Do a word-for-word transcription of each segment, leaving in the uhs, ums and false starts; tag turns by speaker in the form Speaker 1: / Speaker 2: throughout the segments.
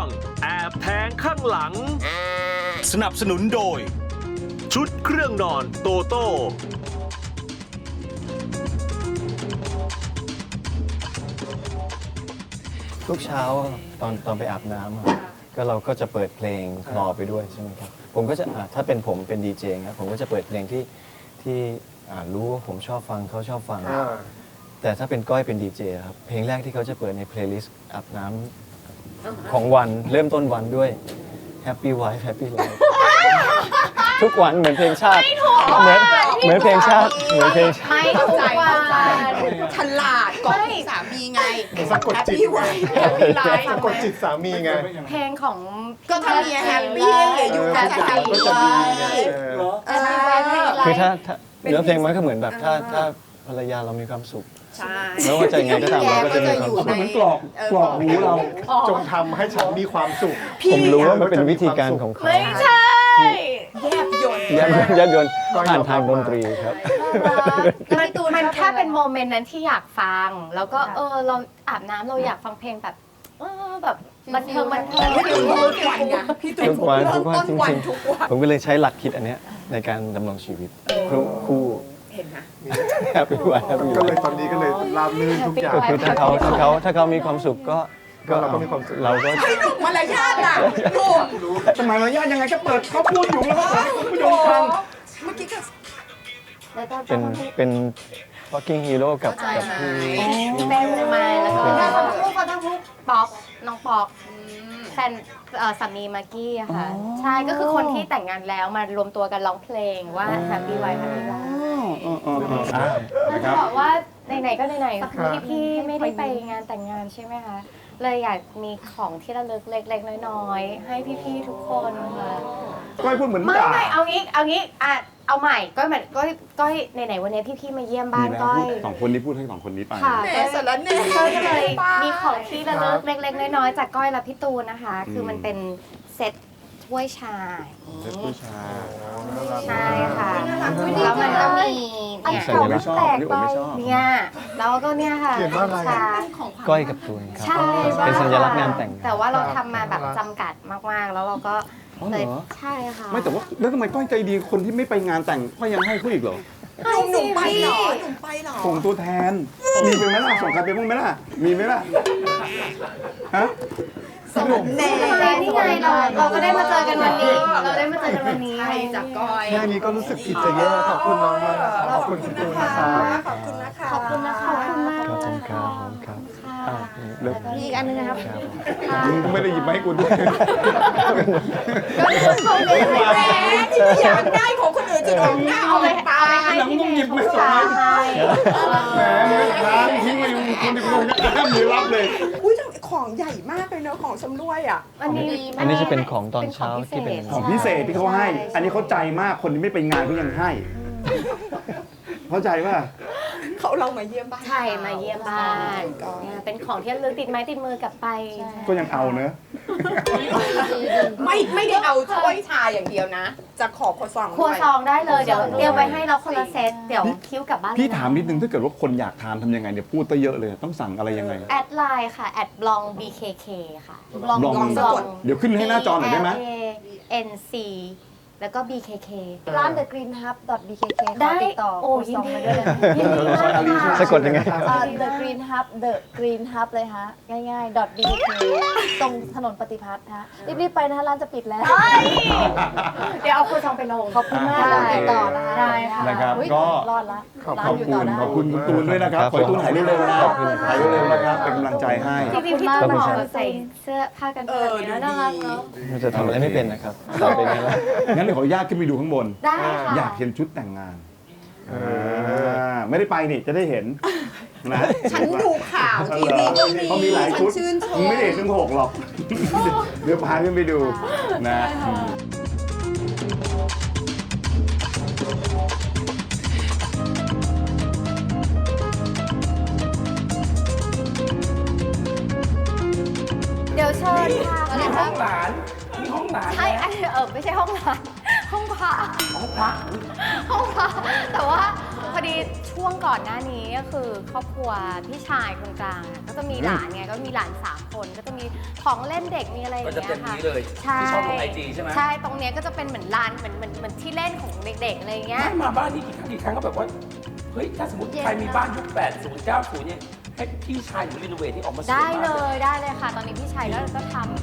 Speaker 1: งแอบแทงข้างหลัง
Speaker 2: สนับสนุนโดย
Speaker 1: ชุดเครื่องนอนโตโต้
Speaker 3: ทุกเช้าตอนตอนไปอาบน้ำอะก็เราก็จะเปิดเพลงคลอไปด้วยใช่ไหมครับผมก็จะอ่ะถ้าเป็นผมเป็นดีเจนะผมก็จะเปิดเพลงที่ที่อ่ารู้ว่าผมชอบฟังเขาชอบฟัง แต่ถ้าเป็นก้อยเป็นดีเจครับเพลงแรกที่เขาจะเปิดในเพลย์ลิสต์อาบน้ำของวันเริ่มต้นวันด้วย Happy Wife Happy Life ทุกวันเหมือนเพลงชาติเหมือนเหมือนเพลงชาติเหมือนเพลงชาติ
Speaker 4: ไม่ทุกวัน
Speaker 5: ฉลาดก่อนสามีไง
Speaker 6: สะกดจิต
Speaker 5: พี่ไว้แฮปปี้ไลฟ์
Speaker 6: สะกดจิตสามีไง
Speaker 4: เพลงของ
Speaker 5: ก็ถ้าเมียแฮปปี้อยู่กันจะแฮปปี้
Speaker 6: ก็จะดีไง
Speaker 5: เออ
Speaker 3: คือถ้าถ้าเนื้อเพลงมันก็เหมือนแบบถ้าถ้าภรรยาเรามีความสุข
Speaker 5: ใช่
Speaker 3: ไม่ว่าจะยังไงก็ตามเราก็จะมีความสุข
Speaker 6: เหมือนกรอกกรอกหูเราจงทำให้ฉันมีความสุข
Speaker 3: ผมรู้ว่ามันเป็นวิธีการของเขา
Speaker 4: ไม่ใช่
Speaker 5: แยบยนต์
Speaker 3: ยัดยัดยนต์ผ่านทางดนตรีครับ
Speaker 4: มันมันแค่เป็นโมเมนต์นั้นที่อยากฟัง แล้วก็เออเราอาบน้ำเราอยากฟังเพลงแบบเออแบบบันเทิงบันเทิง
Speaker 5: พี่ตูนทุกวันไงพี่ตูน
Speaker 3: ทุกวัน
Speaker 5: เริ่
Speaker 3: ทุ
Speaker 5: ม
Speaker 3: กวัน
Speaker 5: ต้น
Speaker 3: จ
Speaker 5: วัน
Speaker 3: ริง
Speaker 5: ทุกวัน
Speaker 3: ๆผมก็เลยใช้หลักคิดอันเนี้ยในการดำรงชีวิตคู่คู่
Speaker 5: เห็นไหม
Speaker 3: แฮปปี้ไวท์แฮปปี้
Speaker 6: ก็
Speaker 3: ไว
Speaker 6: เลย
Speaker 3: ท์
Speaker 6: ตอนนี้ก็เลยราบรื่นทุกอย่าง
Speaker 3: ก็คือถ้าเขาถ้าเขาถ้าเขามีความสุขก็
Speaker 6: ก็เราก็มีความสุข
Speaker 3: เราก็
Speaker 5: ให้หนุ่มมารยาทอ่ะหนุ่ม
Speaker 6: สมัยมารยาทยังไงก็เปิดเขาพูดอยู่แล้วก็เปิดให้คุณผู้ชมฟัง
Speaker 5: เมื่อกี้ก็
Speaker 3: เป็นเป็น fucking hero กับกับพี่
Speaker 4: เป็นมาแล้วก็ทั้งคู่เขาทั้งคู่ป๊อกน้องป๊อกแฟนเอ่อสามีมากกี้อะค่ะใช่ก็คือคนที่แต่งงานแล้วมารวมตัวกันร้องเพลงว่า Happy Wife Happy Life จะบอกว่าไหนๆก็ไหนๆคือพี่ๆไม่ได้ไปงานแต่งงานใช่ไหมคะเลยอยากมีของที่ระลึกเล็กๆน้อยๆให้พี่ๆทุกคนค่ะ
Speaker 6: ก้อยพูดเหมือน
Speaker 4: ไม่
Speaker 6: ด่า
Speaker 4: ไม่เอางี้เอางี้อ่ะเอาใหม่ก้อยเหมือนก้อยก้อยไหนๆวันนี้พี่ๆมาเยี่ยมบ้านก้อย
Speaker 7: สองคนนี้พูดให้สองคนนี้ไป
Speaker 4: ค่ะ
Speaker 5: แหมสารแหน่
Speaker 4: ก้อยก็เลยมีของที่ระลึกเล็กๆน้อยๆจากก้อยและพี่ตูนนะคะ คือมันเป็นเซ็ตถ้วยชา
Speaker 7: เซ็ตผู้ชาย
Speaker 4: ใช่ค่ะแล้วมันก็มีเนี่ย
Speaker 3: สัญลักษณ์
Speaker 7: ชอบนี่ผมไม่ชอบ
Speaker 4: เนี่ยแล้วก็เนี่ยค่ะ
Speaker 6: เขียนว่าอะไร
Speaker 4: ชา
Speaker 3: ก้อยกับตูนครับ
Speaker 4: ใช่
Speaker 3: เป็นสัญลักษณ์งานแต่ง
Speaker 4: แต่ว่าเราทำมาแบบจำกัดมากๆ แล้วเราก็
Speaker 7: อ๋อ
Speaker 4: เล
Speaker 7: เหร
Speaker 4: ย
Speaker 7: อ
Speaker 4: ใช่ค่ะ
Speaker 7: ไม่แต่ว่าแล้วทำไมก้อยใจดีคนที่ไม่ไปงานแต่งก้อยยังให้เขาอีกเหรอ
Speaker 5: หนุ่มหนุ่มไปเหรอหนุ่มไปเหรอ
Speaker 7: ส่งตัวแทน มีไปไหมล่ะส่งใครไปบ้างไหมล่ะ มีไหมล่ะฮะ
Speaker 5: สารแหน่
Speaker 4: นี่ไงเราเราก็ได้มาเจอกันวันนี้ เราได้มาเจอกันวันนี้
Speaker 5: ใช่จากก้อย
Speaker 6: แค่นี้ก็รู้สึกผิดจะแย่ขอบคุณน้องมากขอบคุณคุณตูนนะครับ
Speaker 5: ขอบคุณนะคะ
Speaker 4: ขอบคุณนะคะขอบคุณมาก
Speaker 3: ขอบคุณครับขอบคุณครับอ่ะ
Speaker 7: เลิก
Speaker 4: มีอีกอันนึงนะครับ
Speaker 3: ครับ
Speaker 7: มึงไม่ได้หยิบมาให้กูด้วย
Speaker 5: เขาเลยแหมที่ไม่อยากได้ของคนอื่นจะโดนหน้าเอาไปตาย
Speaker 4: ให้
Speaker 7: หลังมึงหยิบไม่ส่งให้ แหมมึงค้างทิ้งไว้อยู่คนที่กูจะอ้ามมือรับเลย
Speaker 5: อุ้ยของใหญ่มากเลยเนอะของชำร่วยอ่ะ
Speaker 4: อันนี้
Speaker 3: อันนี้จะเป็นของตอนเช้าที่เป็น
Speaker 7: ของพิเศษที่เขาให้ อันนี้เขาใจมากคนที่ไม่ไปงานเขายังให้ เข้าใจป่ะ
Speaker 5: เขาเรามาเยี่ยมบ้าน
Speaker 4: ใช่มาเยี่ยมบ้านเนี่ยเป็นของที่ระลึกติดไม้ติดมือกลับไป
Speaker 7: ก็ยังเอาเนอะ
Speaker 5: ไม่ไม่ได้เอาถ้วยชาอย่างเดียวนะ จะขอครัวซอง
Speaker 4: ครัว
Speaker 5: ด้วย
Speaker 4: ซองได้เลยเดี๋ยวเตรียมไว้ให้เราคนละเซตเดี๋ยวคิ้วกลับบ้าน
Speaker 7: พี่ถามนิดนึงถ้าเกิดว่าคนอยากทานทำยังไงเนี่ยพูดซะเยอะเลย ต้องสั่งอะไรยังไง
Speaker 4: แอดไลน์ค่ะแอดบลอง บี เค เค ค่ะ
Speaker 7: ลอง
Speaker 5: ลองสะกด
Speaker 7: เดี๋ยวขึ้นให้หน้าจอหน่อยได้ไหม
Speaker 4: B L A N C แล้วก็ บี เค เค
Speaker 8: ร้าน The Green Hub .บเค เค
Speaker 4: ได้
Speaker 8: ติดต่อ
Speaker 4: โอ้
Speaker 8: ครัว
Speaker 4: ยิ
Speaker 8: ซ
Speaker 4: น
Speaker 8: อง
Speaker 4: ดี
Speaker 8: มาด้วยเลย
Speaker 4: ยินดีมากค่ะ
Speaker 3: สะกดยังไง
Speaker 8: อ่า The Green Hub The Green Hub เลยฮะ ง่ายๆ .บเค เค ตรงถนนปฏิพัฒน์ฮะ รีบๆไปนะฮะร้านจะปิดแล้ว
Speaker 4: เดี๋ยวเอาครัวซองไปลง
Speaker 8: ขอบคุณมากเราติดต่อนะคะ
Speaker 4: ได้ค่ะ
Speaker 7: นะครับ
Speaker 8: อุ๊ย
Speaker 7: ก็
Speaker 8: รอดละ
Speaker 6: ขอบ
Speaker 8: ร้านอยู่ต่อได้
Speaker 7: ขอบคุณคุณตูนด้วยนะครับ ขอให้ตูนหายเร็วๆนะ
Speaker 3: ขอบคุณครับ
Speaker 7: หายเร็วๆนะครับ เป็นกำลังใจให้
Speaker 4: จริงๆพี่
Speaker 8: ข
Speaker 4: ตู
Speaker 8: อบ
Speaker 4: น
Speaker 8: คุณ
Speaker 4: เห
Speaker 8: ครั
Speaker 4: มาะ
Speaker 8: บ
Speaker 4: ใส่เสื้อผ้ากัน
Speaker 5: เอ
Speaker 4: เปื้อน
Speaker 5: อดู
Speaker 4: เนี่ยน่ารัก
Speaker 5: ดี
Speaker 4: เนาะ
Speaker 3: มันจะทำอะไรไม่เป็นนะครับต่อไปนี้แล้ว
Speaker 7: งั้นเดี๋ยวขออนุญาตขึ้นไปดูข้างบน
Speaker 4: ได้ค่ะ
Speaker 7: อยากเห็นชุดแต่งงานอ่าไม่ได้ไปนี่จะได้เห็นนะ
Speaker 5: ฉันดูข่าวทีวีก็มี
Speaker 7: เขามีหลายชุด
Speaker 5: ฉันชื่นชม
Speaker 7: มึงไม่ได้เห็นทั้งหกหรอก เดี๋ยวพาขึ้นไปดูนะอืม
Speaker 4: เดี๋ยวเชิญค่ะ
Speaker 6: มีห้องหลานมีห้องหลาน
Speaker 4: ใช่อันเออไม่ใช่ห้องน้ำห้องพระห้องพระห้องพระแต่ว่าพอดีช่วงก่อนหน้านี้ก็คือครอบครัวพี่ชายคนกลางอะก็จะมีหลานไงก็มีหลานสามคนก็จะมีของเล่นเด็กมีอะไรอย่าง
Speaker 9: ก็จะ
Speaker 4: เงี้ย
Speaker 9: เป็น
Speaker 4: ค่ะ
Speaker 9: นี้เลย
Speaker 4: ใช่
Speaker 9: ที่ชอบลงไอจีใช่ไหม
Speaker 4: ใช่ตรงเนี้ยก็จะเป็นเหมือนลานเหมือนเหมือนเหมือนที่เล่นของเด็กๆอะไรอย่างเงี้ย
Speaker 9: ไม่มาบ้านนี้กี่ครั้งกี่ครั้งก็แบบว่า เฮ้ย ถ้าสมมติใครมีบ้านยุคแปดสิบ เก้าสิบเนี่ย ให้พี่ชายหรือรีโนเวทที่ออกมาสวย
Speaker 4: ได้
Speaker 9: มาก
Speaker 4: เล
Speaker 9: เลย
Speaker 4: ยได้เลยค่ะ ตอนนี้พี่ชายก็ก็ทำ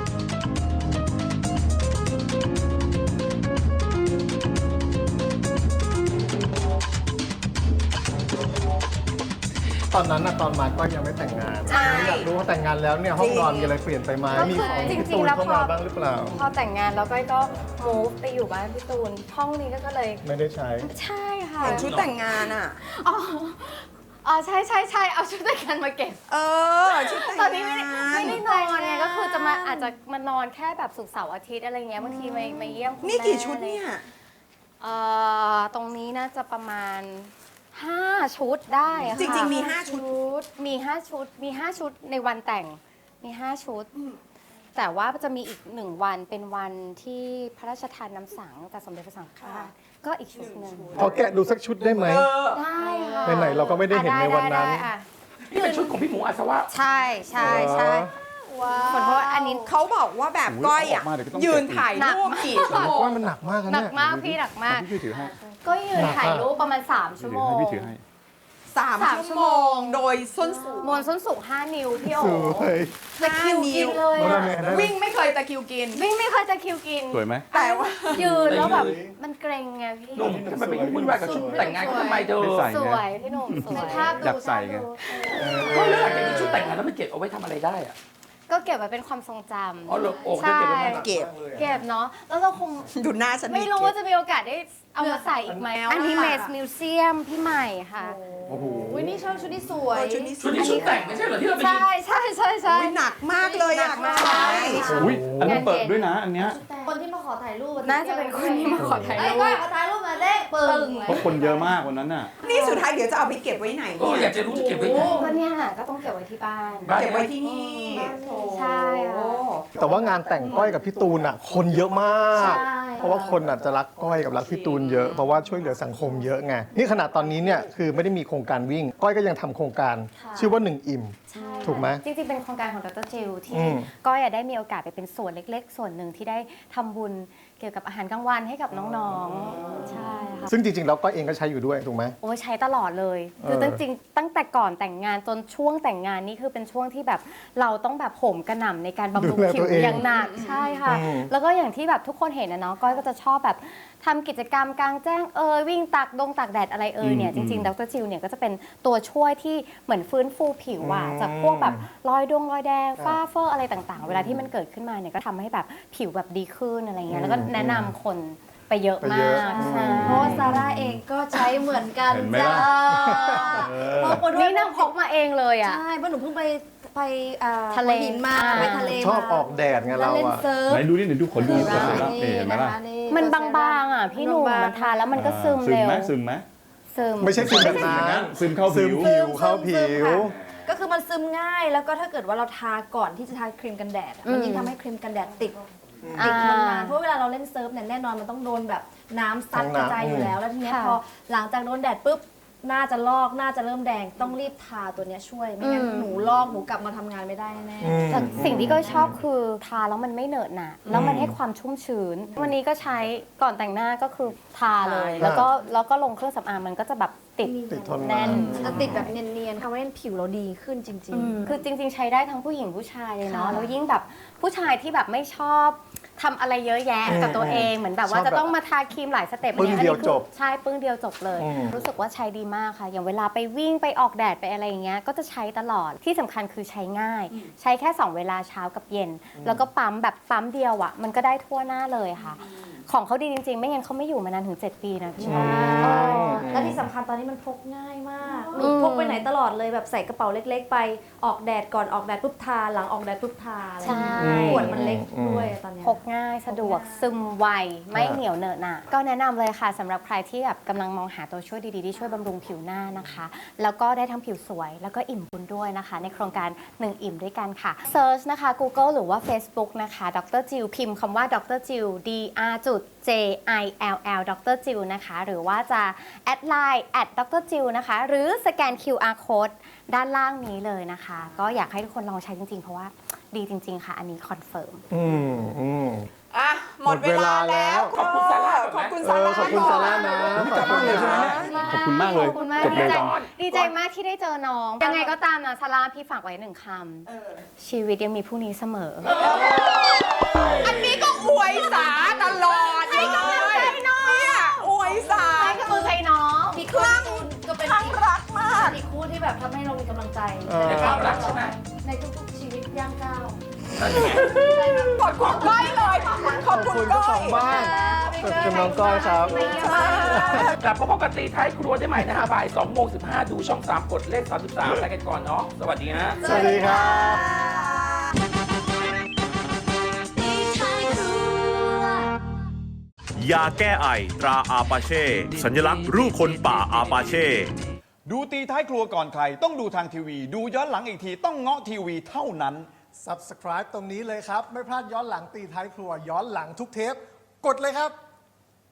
Speaker 6: ตอนนั้นนะตอนมาก็ยังไม่แต่งงาน
Speaker 4: ใช่
Speaker 6: อยากรู้ว่าแต่งงานแล้วเนี่ยห้องนอนมีอะไรเปลี่ยนไปไหม
Speaker 4: ก็
Speaker 6: มี
Speaker 4: คือ
Speaker 6: ของ
Speaker 4: จริ
Speaker 6: พี่
Speaker 4: ง
Speaker 6: ตู
Speaker 4: ๆ
Speaker 6: น
Speaker 4: แล้ว
Speaker 6: เข้า
Speaker 4: พอ
Speaker 6: มาบ้างหรือเปล่า
Speaker 4: พอแต่งงานแล้วก็ก็ move ไปอยู่บ้านพี่ตูนห้องนี้ก็เลย
Speaker 6: ไม่ได้ใช้
Speaker 4: ใช่ค่ะ
Speaker 5: เห็นชุดแต่งงานอ่ะ
Speaker 4: อ๋ออ๋อใช่ใช่ใช่เอาชุดแต่งงานมาเก็บ
Speaker 5: เออ ชุดแต่งงาน
Speaker 4: ตอนนี้ไม่ได้ไม่ได้นอนไงก็คือจะมาอาจจะมานอนแค่แบบศุกร์เสาร์อาทิตย์อะไรเงี้ยบางทีมามาเยี่ยมคุณ
Speaker 5: นี่กี่
Speaker 4: แม่
Speaker 5: ชุดเนี่ย
Speaker 4: เอ่อตรงนี้น่าจะประมาณห้าชุดได้อะค่ะ
Speaker 5: จริงๆมีห้าชุด
Speaker 4: มีห้าชุดมีห้าชุดในวันแต่งมีห้าชุด แต่ว่าจะมีอีกหนึ่งวันเป็นวันที่พระราชทานน้ำสังจากสมเด็จพระสังฆราชก็อีกชุดหนึ่ง
Speaker 6: พอแกะดูสักชุดได้ไหม
Speaker 4: ได้ค่ะ
Speaker 6: ไหนๆเราก็ไม่ได้เห็นในวันนั้น
Speaker 4: ได้ได้ได้อ่ะ
Speaker 9: นี่เป็นชุดของพี่หมูอาสวะ
Speaker 4: ใช่ใช่ใช่ขอโทษอันนี้
Speaker 5: เขาบอกว่าแบบก้อยอ่ะ
Speaker 7: โอ้ยเอาออกมาเดี๋ยวก็ต้อง
Speaker 5: ยืนถ่ายรูปกี่ชั่วโมง
Speaker 6: ว่ามันหนักมากนะ
Speaker 4: หนั
Speaker 6: เนี่
Speaker 4: ก
Speaker 6: ย
Speaker 4: มากพี่หนักมาก
Speaker 7: พี่ถือให้
Speaker 4: ก็ยืนถ่ายรูปประมาณ สาม ชั่วโมง
Speaker 7: ให้พี่ถือให้
Speaker 5: สาม
Speaker 4: สาม
Speaker 5: ชั่วโมง โดยส้นสูง
Speaker 4: มวนส้นสูงห้านิ้วพี่โอ๋
Speaker 6: สวย
Speaker 4: ตะคริวกินเลย
Speaker 6: โอ้
Speaker 4: อะ
Speaker 6: ได้ไหมได้ไหม
Speaker 5: วิ่งไม่เคยตะคริวกิน
Speaker 4: วิ่งไม่เคยจะคิวกิน
Speaker 7: สวยไหม
Speaker 5: แต่ว่า
Speaker 4: ยืนแล้วแบบมันเกรงไงพี่
Speaker 9: หนุ่มทำไมไปวุ่นวายกับชุดแต่งงานเขาทำไมเธอ
Speaker 7: ไม่ใส่
Speaker 4: สวยพี่หนุ่มสวย
Speaker 7: อยากใส่ไง
Speaker 9: ก็เลือกจากนี้ชุดแต่งงานแล้วมันเก็บเอาไว้ทำอะไรได้อะ
Speaker 4: ก็เก็บไว้เป็นความทรงจ
Speaker 9: อ๋อเหรอโอ้
Speaker 4: ำ
Speaker 9: ได้
Speaker 4: ใช่
Speaker 9: เก็บไว้นาน
Speaker 5: เก็บ
Speaker 4: เก็บเนาะแล้วเราคง
Speaker 5: ดูหน้าฉัน
Speaker 4: ไม่รู้ว่าจะมีโอกาสได้เอามาใส่อีกไหมอันนี้เมสมิวเซียมพี่ใหม่ค่ะ
Speaker 7: โอ้โห
Speaker 8: วินี่ชอบชุดนี้สวย
Speaker 5: เออชุดนี้ส
Speaker 9: ชุด
Speaker 5: วย
Speaker 9: นี้ชุดแต่งไม่ใช่เหรอที่เราไปยื
Speaker 4: ใช่
Speaker 9: น
Speaker 4: ใช่ใช่ใช่
Speaker 5: อุ๊ยหนักมากเลยอยากมาใช้
Speaker 7: อุ้ยอันนี้เปิดด้วยนะ อันเนี้ย
Speaker 8: คนที่มาขอถ่ายรูป
Speaker 4: น่าจะเป็นคนที่มาขอถ่าย
Speaker 8: ไอ้
Speaker 4: รู
Speaker 8: ก้อย
Speaker 4: ป
Speaker 8: ขอถ่ายรูปมาได้ปึ้ง
Speaker 7: เพราะคนเยอะมากวันนั้นน่ะ
Speaker 5: นี่สุดท้ายเดี๋ยวจะเอาไปเก็บไว้ไหน
Speaker 9: ก็
Speaker 5: เนี่ย
Speaker 9: อยากจะรู้จะเก็บไว้ไหน
Speaker 4: ก็เนี่ยก็ต้องเก็บไว้ที่บ้าน
Speaker 9: บ้าน
Speaker 5: เก็บไว้ที่นี่
Speaker 4: ใช่ค่ะ
Speaker 6: แต่ว่างานแต่งก้อยกับพี่ตูนอ่ะ คนเยอะมาก เพราะว่าคนอาจจะรักก้อยกับรักพี่ตูนเยอะ เพราะว่าช่วยเหลือสังคมเยอะไง นี่ขนาดตอนนี้เนี่ยคือไม่ได้มีโครงการวิ่ง ก้อยก็ยังทำโครงการ ชื่อว่าหนึ่งอิ่ม ถูกไหม
Speaker 4: จริงๆ เป็นโครงการของดรจิลที่
Speaker 6: อืม
Speaker 4: ก้อยอะได้มีโอกาสไปเป็นส่วนเล็กๆ ส่วนหนึ่งที่ได้ทำบุญเกี่ยวกับอาหารกลางวันให้กับน้องๆ ใช่ค่ะ
Speaker 6: ซึ่งจริงๆแล้วก้อยเองก็ใช้อยู่ด้วยถูกไหม
Speaker 4: โอ้ยใช้ตลอดเลย
Speaker 6: เออ
Speaker 4: คือจริงๆ ตั้งแต่ก่อนแต่งงานจนช่วงแต่งงานนี่คือเป็นช่วงที่แบบเราต้องแบบโหมกระหน่ำในการบำรุงผิวอย่างหนักใช่ค่ะ แล้วก็อย่างที่แบบทุกคนเห็นนะเนาะก้อยก็จะชอบแบบทำกิจกรรมกลางแจ้งเอยวิ่งตากดงตากแดดอะไรเอยเนี่ยจริงๆดรจิลเนี่ยก็จะเป็นตัวช่วยที่เหมือนฟื้นฟูผิวอะจากพวกแบบรอยดงรอยแดงฝ้าเฟออะไรต่างๆ เวลาที่มันเกิดขึ้นมาเนี่ยก็ทำให้แบบผิวแบบดีขึ้นอะไรเงี้ยแล้วก็แนะนำคนไปเยอะ
Speaker 6: ไป
Speaker 4: มา
Speaker 6: เยอะ
Speaker 4: กใช่
Speaker 8: เพราะว่าซาร่าเองก็ใช้เหมือนกัน
Speaker 7: เห็นไหม
Speaker 8: จ้า
Speaker 7: ล่ะ
Speaker 8: เพราะคนด้ว
Speaker 4: นี่
Speaker 8: ย
Speaker 4: นางพกมาเองเลยอ่ะ
Speaker 8: ใช่เพราะหนูเพิ่งไปไปอ่า
Speaker 4: ทะเล
Speaker 8: หัวหินมา
Speaker 4: อ่า
Speaker 8: ไปทะเล
Speaker 6: ชอบ
Speaker 8: มา
Speaker 6: ออกแดดไง
Speaker 8: แล้ว
Speaker 6: เรา
Speaker 8: เล่น
Speaker 6: อะ
Speaker 8: เซิร์ฟ
Speaker 7: ไหนดูนี่เดี๋ยวดูขนดูขนดูนี่เห็นไหมล่ะ
Speaker 4: มันบางๆอ่ะพี่หนุ่มมันทานแล้วมันก็ซึม
Speaker 7: ซึม
Speaker 4: เร็ว
Speaker 7: ไหมซึมไหม
Speaker 4: ซึม
Speaker 6: ไม่ใช่ซึมแบบ
Speaker 7: ซึมอย่าง
Speaker 6: นั้
Speaker 7: นั้น นซึมเข้า
Speaker 6: ซึ
Speaker 7: ผิ
Speaker 6: ม
Speaker 7: ว
Speaker 6: ผิวเข้าผิว
Speaker 8: ก็คือมันซึมง่ายแล้วก็ถ้าเกิดว่าเราทาก่อนที่จะทาครีมกันแดดอะมันยิ่งทำให้ครีมกันแดดติดติดทนนานเพราะเวลาเราเล่นเซิร์ฟเนี่ยแน่นอนมันต้องโดนแบบน้ำซัดกระจายอยู่แล้วแล้วทีเนี้ยพอหลังจากโดนแดดปุ๊บหน้าจะลอกหน้าจะเริ่มแดงต้องรีบทาตัวเนี้ยช่วยไม่งั้นหนูลอกหนูกลับมาทำงานไม่ได้แน่
Speaker 4: แต่สิ่งที่ก็ชอบคือทาแล้วมันไม่เหนอะหนะแล้วมันให้ความชุ่มชื้น วันนี้ก็ใช้ก่อนแต่งหน้าก็คือทาเลย แล้วก็แล้วก็ลงเครื่องสำอางมันก็จะแบบติด
Speaker 6: ติดทน
Speaker 4: แน่น
Speaker 8: จะติดแบบเนียนๆทำให้ผิวเราดีขึ้นจริง
Speaker 4: คือจริงๆ ใช้ได้ทั้งผู้หญิงผู้ชายเลยเนาะ
Speaker 8: ค่ะ
Speaker 4: แล้วยิ่งแบบผู้ชายที่แบบไม่ชอบทำอะไรเยอะแยะกับตัวเองเหมือนแบบว่า
Speaker 6: ชอบแบบ
Speaker 4: จะต้องมาทาครีมหลายสเต็ป
Speaker 6: ปึ้งเดียว
Speaker 4: อันนี้คือ
Speaker 6: จบ
Speaker 4: ใช่ปึ้งเดียวจบเลย
Speaker 6: อืม
Speaker 4: รู้สึกว่าใช้ดีมากค่ะ อย่างเวลาไปวิ่งไปออกแดดไปอะไรอย่างเงี้ยก็จะใช้ตลอดที่สำคัญคือใช้ง่าย ใช้แค่สองเวลาเช้ากับเย็น แล้วก็ปั๊มแบบปั๊มเดียวอ่ะมันก็ได้ทั่วหน้าเลยค่ะ ของเขาดีจริงๆ ไม่งั้นเขาไม่อยู่มานานถึงเจ็ดปีนะพี่
Speaker 8: ๆ
Speaker 4: ว่า
Speaker 8: ใช่และที่สำคัญตอนนี้มันพกง่ายมากหนู
Speaker 4: อืม
Speaker 8: พกไปไหนตลอดเลยแบบใส่กระเป๋าเล็ก ๆ ไปออกแดดก่อนออกแดดปุ๊บทาหลังออกแดดปุ๊บทาอะไรอย่างเงี้ย
Speaker 4: ใช่
Speaker 8: ขวดมันเล็กด้วยตอนเนี้ย
Speaker 4: พกง่ายสะดวกซึมไวไม่เหนียวเหนอะหนะก็แนะนำเลยค่ะสำหรับใครที่แบบกำลังมองหาตัวช่วยดีๆที่ช่วยบำรุงผิวหน้านะคะ แล้วก็ได้ทั้งผิวสวย แล้วก็อิ่มบุญด้วยนะคะ ในโครงการหนึ่งอิ่มด้วยกันค่ะเซิร์ชนะคะ Google หรือว่า Facebook นะคะดรจิลพิมพ์คำว่าดรจิล D R จุดจุด J I L L ดรจิวนะคะ หรือว่าจะแอดไลน์แอดดรจิวนะคะ หรือสแกน คิว อาร์ Code ด้านล่างนี้เลยนะคะ ก็อยากให้ทุกคนลองใช้จริงๆ เพราะว่าดีจริงๆ ค่ะ อันนี้คอนเฟิร์ม
Speaker 6: อืมอืม
Speaker 5: อ่ะหมดเวลาแล้ว
Speaker 9: ขอบคุณซาร่า
Speaker 5: ขอบคุณ
Speaker 6: เอ
Speaker 5: ซา
Speaker 6: อ
Speaker 5: ร่า
Speaker 6: ขอบคุณซาร่านะ
Speaker 7: กลับบ้านเลยใช่ไหมเนี่ย
Speaker 3: ขอบคุณมากเลย
Speaker 4: ขอบคุณมาก
Speaker 3: จบ
Speaker 4: ดี
Speaker 3: เลย
Speaker 4: ใจ
Speaker 3: กัน
Speaker 4: ดีใจมากที่ได้เจอน้อง ยังไงก็ตามนะซาร่าพี่ฝากไว้หนึ่งคำ ชีวิตยังมีพรุ่งนี้เสมอ
Speaker 5: อันนี้ก็อวยสาตลอดให้กำลังใจน้องเนี่ยอวยสา
Speaker 4: ให้กำลังใจน้อง
Speaker 8: มีครั้งก็เป็น
Speaker 5: ครั้งรักมาก
Speaker 8: อีกคู่ที่แบบทำให้เรามีกำลังใจ
Speaker 6: เออ
Speaker 9: ในความรักใช่ไหม
Speaker 8: ในทุกๆชีวิตย่างก้าว
Speaker 9: นั่นไง
Speaker 5: กดของก้อยเลยขอบ
Speaker 6: ขอบ
Speaker 5: คุ
Speaker 6: คุณ
Speaker 5: ณ
Speaker 6: เจ้า
Speaker 5: ก้
Speaker 6: ข
Speaker 5: อ
Speaker 6: อย งบ้านขอบคุณน้องก้อยครับ
Speaker 9: กลับมาพบกันตีท้ายครัวได้ใหม่นะฮะบ่ายสองโมงสิบห้าดูช่องสามกดเลขสามสิบสามไปกันก่อนเนาะสวัสดีฮะ
Speaker 6: สวัสดีครับ
Speaker 1: ยาแก้ไอตราอาปาเช่ สัญลักษณ์รูปคนป่าอาปาเช่
Speaker 2: ดูตีท้ายครัวก่อนใคร ต้องดูทางทีวี ดูย้อนหลังอีกทีต้องเงาะทีวีเท่านั้น
Speaker 6: Subscribe ตรงนี้เลยครับ ไม่พลาดย้อนหลังตีท้ายครัว ย้อนหลังทุกเทป กดเลยครับ